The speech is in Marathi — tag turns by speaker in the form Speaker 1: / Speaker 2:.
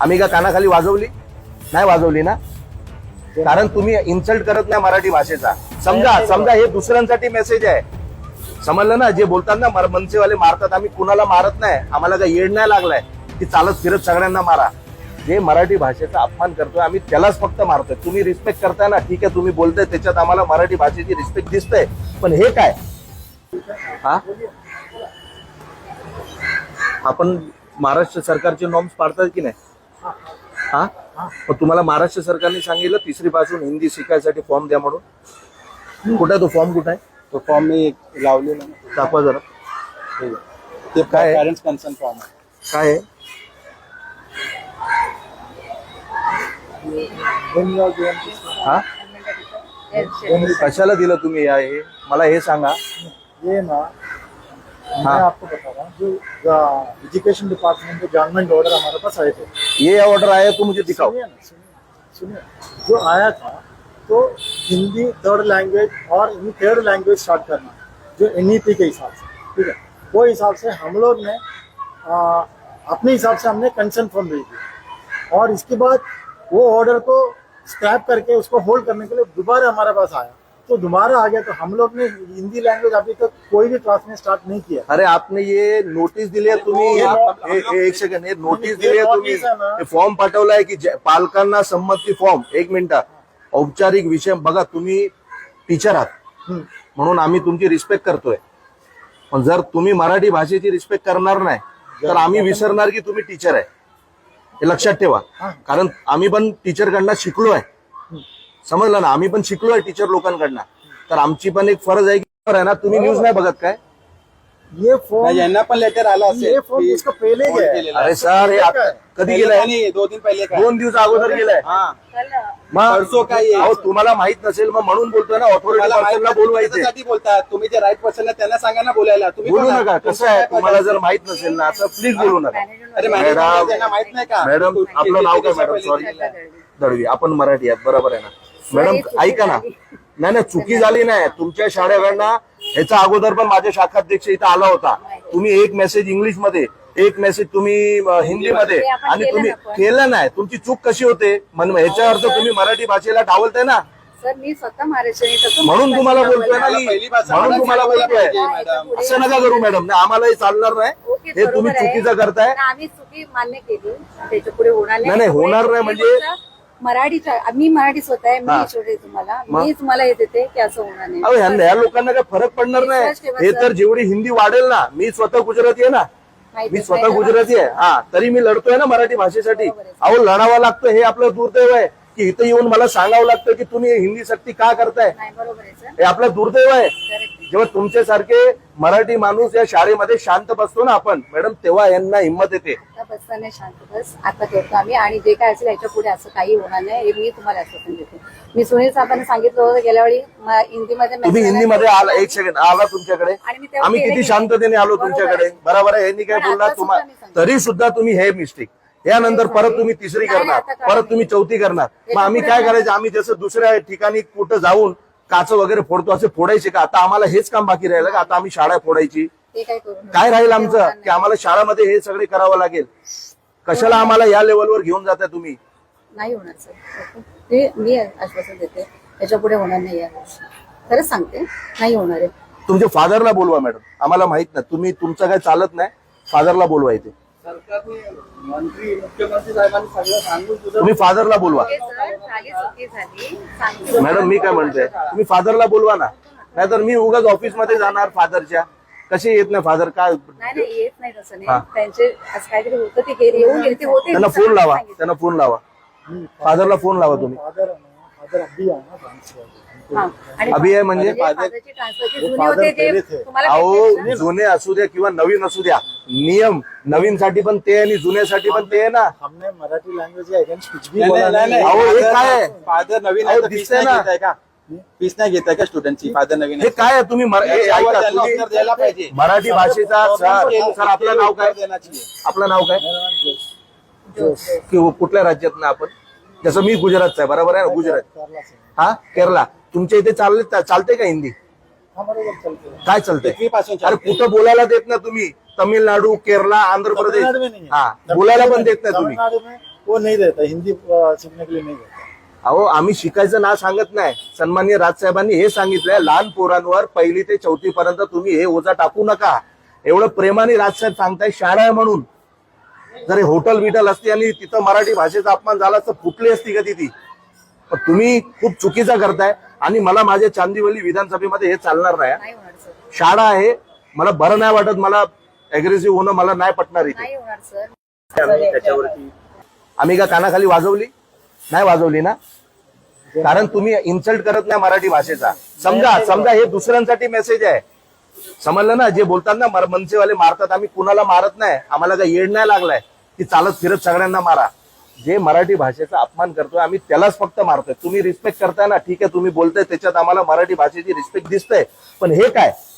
Speaker 1: आम्ही का कानाखाली वाजवली नाही वाजवली ना, कारण तुम्ही इन्सल्ट करत नाही मराठी भाषेचा. समजा हे दुसऱ्यांसाठी मेसेज आहे, समजलं ना. जे बोलतात ना मनसेवाले मारतात, आम्ही कुणाला मारत नाही, आम्हाला काही येड नाही लागलाय की चालत फिरत सगळ्यांना मारा. जे मराठी भाषेचा अपमान करतोय आम्ही त्यालाच फक्त मारतोय. तुम्ही रिस्पेक्ट करताय ना, ठीक आहे, तुम्ही बोलताय त्याच्यात आम्हाला मराठी भाषेची रिस्पेक्ट दिसतंय, पण हे काय हा, आपण महाराष्ट्र सरकारचे नॉर्म्स पाळतात की नाही हा. मग तुम्हाला महाराष्ट्र सरकारने सांगितलं 3री पासून हिंदी शिकायसाठी फॉर्म द्या म्हणून. कुठे तो फॉर्म, कुठे आहे
Speaker 2: तो फॉर्म मी लावलेला ना,
Speaker 1: दाखवा जरा.
Speaker 2: ते
Speaker 1: काय
Speaker 2: पॅरेंट्स कन्सर्न फॉर्म आहे.
Speaker 1: काय आहे हा, कशाला दिलं तुम्ही या, हे मला हे सांगा.
Speaker 2: ये ना, मैं आपको बता रहा हूँ, जो एजुकेशन डिपार्टमेंट के गवर्नमेंट ऑर्डर हमारे पास आए थे.
Speaker 1: ये ऑर्डर आया तो मुझे दिखाओ.
Speaker 2: सुनिए, जो आया था तो हिंदी 3rd लैंग्वेज और थर्ड लैंग्वेज स्टार्ट करना, जो एनईपी के हिसाब से, ठीक है, वो हिसाब से हम लोग ने अपने हिसाब से हमने कंसर्न फॉर्म भेज दिया, और इसके बाद वो ऑर्डर को स्क्रैप करके उसको होल्ड करने के लिए दोबारा हमारे पास आया. तो दोबारा आ गया, तो हम लोग ने हिंदी लैंग्वेज अभी तक कोई भी क्लास में स्टार्ट नहीं किया.
Speaker 1: अरे आपने ये नोटीस दिली आहे तुम्ही, एक सेकंड, हे नोटीस दिली आहे तुम्ही, हे फॉर्म पाठवलाय की पालकांना संमती फॉर्म. एक मिनिट, औपचारिक विषय बघा. तुम्ही टीचर आहात म्हणून आम्ही तुमची रिस्पेक्ट करतोय, पण जर तुम्ही मराठी भाषेची रिस्पेक्ट करणार नाही तर आम्ही विसरणार की तुम्ही टीचर आहे, हे लक्षात ठेवा. कारण आम्ही पण टीचरकडनं शिकलोय, समजलं ना, आम्ही पण शिकलोय टीचर लोकांकडनं, तर आमची पण एक फरज आहे की आहे ना. तुम्ही न्यूज नाही बघत काय?
Speaker 2: ये फॉर्म यांना पण लेटर आला असेल, ये फॉर्म इसका पहले गया.
Speaker 1: अरे सर, हे कधी गेलाय?
Speaker 2: 2 दिन पहिले का,
Speaker 1: 2 दिवस अगोदर गेलाय.
Speaker 2: परसो काय आहे?
Speaker 1: अहो तुम्हाला माहित नसेल मग म्हणून बोलतोय ना, ऑथॉरिटी पर्सनला बोलवायचे.
Speaker 2: त्यासाठी बोलतात तुम्ही, जे राईट पर्सन त्यांना सांगा ना बोलायला. तुम्ही
Speaker 1: बोलू नका. कसं आहे, तुम्हाला जर माहित नसेल ना तर प्लीज बोलू नका.
Speaker 2: अरे
Speaker 1: मॅडम,
Speaker 2: त्यांना माहित नाही का?
Speaker 1: मॅडम आपलं नाव काय मॅडम? सॉरी दळवी, आपण मराठी आहात बरोबर आहे ना मॅडम? ऐका ना, नाही चुकी झाली नाही तुमच्या शाळेकडनं. ह्याचा अगोदर पण माझ्या शाखाध्यक्ष इथं आला होता. तुम्ही एक मेसेज इंग्लिश मध्ये, एक मेसेज तुम्ही हिंदी मध्ये, आणि तुम्ही केलं नाही. तुमची चूक कशी होते? ह्याच्या अर्थ तुम्ही मराठी भाषेला डावलताय ना.
Speaker 3: सर मी स्वतः महाराष्ट्र,
Speaker 1: म्हणून तुम्हाला बोलतोय ना मी, म्हणून तुम्हाला बोलतोय. असं नका करू मॅडम, आम्हाला हे चालणार नाही. हे तुम्ही चुकीचं करताय.
Speaker 3: आम्ही चुकी मान्य केली, त्याच्या पुढे होणार
Speaker 1: नाही होणार नाही. म्हणजे
Speaker 3: मराठीच्या, मी मराठी स्वतः आहे, मी शिकवते तुम्हाला, मी तुम्हाला हे देते की असं होणार नाही.
Speaker 1: अहो ह्या लोकांना काय फरक पडणार नाही. हे तर जेवढी हिंदी वाढेल ना, मी स्वतः गुजराती आहे ना, मी स्वतः गुजराती आहे, हा, तरी मी लढतोय ना मराठी भाषेसाठी. अहो लढावं लागतं, हे आपलं दुर्दैव आहे की इथं येऊन मला सांगावं लागतं की तुम्ही हिंदी सक्ती का करताय. हे आपलं दुर्दैव आहे. जेव्हा तुमच्यासारखे मराठी माणूस या शाळेमध्ये शांत बसतो ना आपण मॅडम, तेव्हा यांना हिंमत येते.
Speaker 3: बसताना शांत बस, आता करतो आम्ही, आणि जे काय असेल याच्या पुढे असं काही होणार नाही, हे मी तुम्हाला आश्वासन देते. मी सुनील साहेबांना सांगितलं होतं गेल्या वेळी हिंदीमध्ये,
Speaker 1: तुम्ही हिंदीमध्ये आला, एक सेकंड आला तुमच्याकडे, आम्ही किती शांततेने आलो तुमच्याकडे, बरोबर आहे. यांनी काय बोलला तुम्हाला, तरी सुद्धा तुम्ही हे मिस्टेक, यानंतर परत तुम्ही 3री करणार, परत तुम्ही 4थी करणार. मग आम्ही काय करायचं? आम्ही जसं दुसऱ्या ठिकाणी कुठं जाऊन काच वगैरे फोडतो असे फोडायचे का? आता आम्हाला हेच काम बाकी राहिलं का? आता आम्ही शाळा फोडायची काय राहील आमचं? की आम्हाला शाळामध्ये हे सगळे करावं लागेल? कशाला आम्हाला या लेवलवर घेऊन जाताय तुम्ही?
Speaker 3: नाही होणार सर, ते मी आश्वासन देते, याच्या पुढे होणार नाही. या गोष्टी खरंच सांगते, नाही होणार आहे.
Speaker 1: तुमच्या फादरला बोलवा मॅडम, आम्हाला माहित नाही, तुम्ही तुमचं काय चालत नाही, फादरला बोलवा इथे.
Speaker 2: मंत्री मुख्यमंत्री साहेबांनी सगळं सांगून
Speaker 1: तुम्ही फादरला बोलवा.
Speaker 3: चुकी झाली
Speaker 1: मॅडम मी काय म्हणतोय, तुम्ही फादरला बोलवा ना, नाहीतर मी उगाच ऑफिसमध्ये जाणार फादरच्या. कसे येत नाही फादर? काय
Speaker 3: नाही येत नाही, तसं नाही. त्यांचे असं काहीतरी होतं, ते येऊन गेले, ते होते.
Speaker 1: त्यांना फोन लावा, त्यांना फोन लावा, फादरला फोन लावा तुम्ही. अभि आहे म्हणजे अहो जुने असू द्या किंवा नवीन असू द्या, नियम नवीन साठी पण ते आणि जुन्यासाठी पण ते आहे ना.
Speaker 2: हमने मराठी लैंग्वेज के अगेंस्ट कुछ भी बोला नहीं.
Speaker 1: अहो हे काय आहे?
Speaker 2: फादर नवीन
Speaker 1: अहो, दिसतंय ना.
Speaker 2: फीस नाही घेताय का स्टुडंटची? फादर नवीन
Speaker 1: हे काय आहे? तुम्ही ऐका, तुम्ही
Speaker 2: द्यायला पाहिजे
Speaker 1: मराठी भाषेचा. सर आपलं नाव काय? आपलं नाव काय? कुठल्या राज्यात ना आपण? जसं मी गुजरातचा आहे, बरोबर आहे ना? गुजरात, हा, केरला. तुमच्या इथे चालते का हिंदी? काय चालतंय? अरे कुठं बोलायला देत ना तुम्ही? तमिलनाडु, केरला, आंध्र प्रदेश,
Speaker 2: तमिलनाडु में नहीं है।
Speaker 1: हाँ बोलायला पण देत नाही तुम्ही.
Speaker 2: तमिलनाडु में वो नहीं देता, हिंदी सीखने के लिए नहीं देता.
Speaker 1: अहो आम्ही शिकायचं ना सांगत नाही. सन्माननीय राजसाहेबांनी हे सांगितलंय, लहान पोरांवर 1ली ते 4थी पर्यंत तुम्ही हे ओझा टाकू नका. एवढं प्रेमाने राजसाहेब सांगताय, शाळा आहे म्हणून. जर हे हॉटेल बिटल असते आणि तिथं मराठी भाषेचा अपमान झाला तर फुटली असती का ती. पण तुम्ही खूप चुकीचा करताय आणि मला माझ्या चांदिवली विधानसभेमध्ये हे चालणार नाही.
Speaker 3: नाही होणार सर,
Speaker 1: शाळा आहे, मला बरं नाही वाटत, मला अग्रेसिव्ह होणं मला नाही पटणार इथे.
Speaker 3: नाही होणार सर.
Speaker 1: आम्ही का कानाखाली वाजवली नाही, वाजवली ना, कारण तुम्ही इन्सल्ट करत नाही मराठी भाषेचा. समजा हे दुसऱ्यांसाठी मेसेज आहे, समजलं ना. जे बोलतात ना मनसेवाले मारतात, आम्ही कुणाला मारत नाही. आम्हाला काही येड नाही लागलाय की चालत फिरत सगळ्यांना मारा. जे मराठी भाषेचा अपमान करतोय आम्ही त्यालाच फक्त मारतोय. तुम्ही रिस्पेक्ट करताय ना, ठीक आहे, तुम्ही बोलताय त्याच्यात आम्हाला मराठी भाषेची रिस्पेक्ट दिसतंय. पण हे काय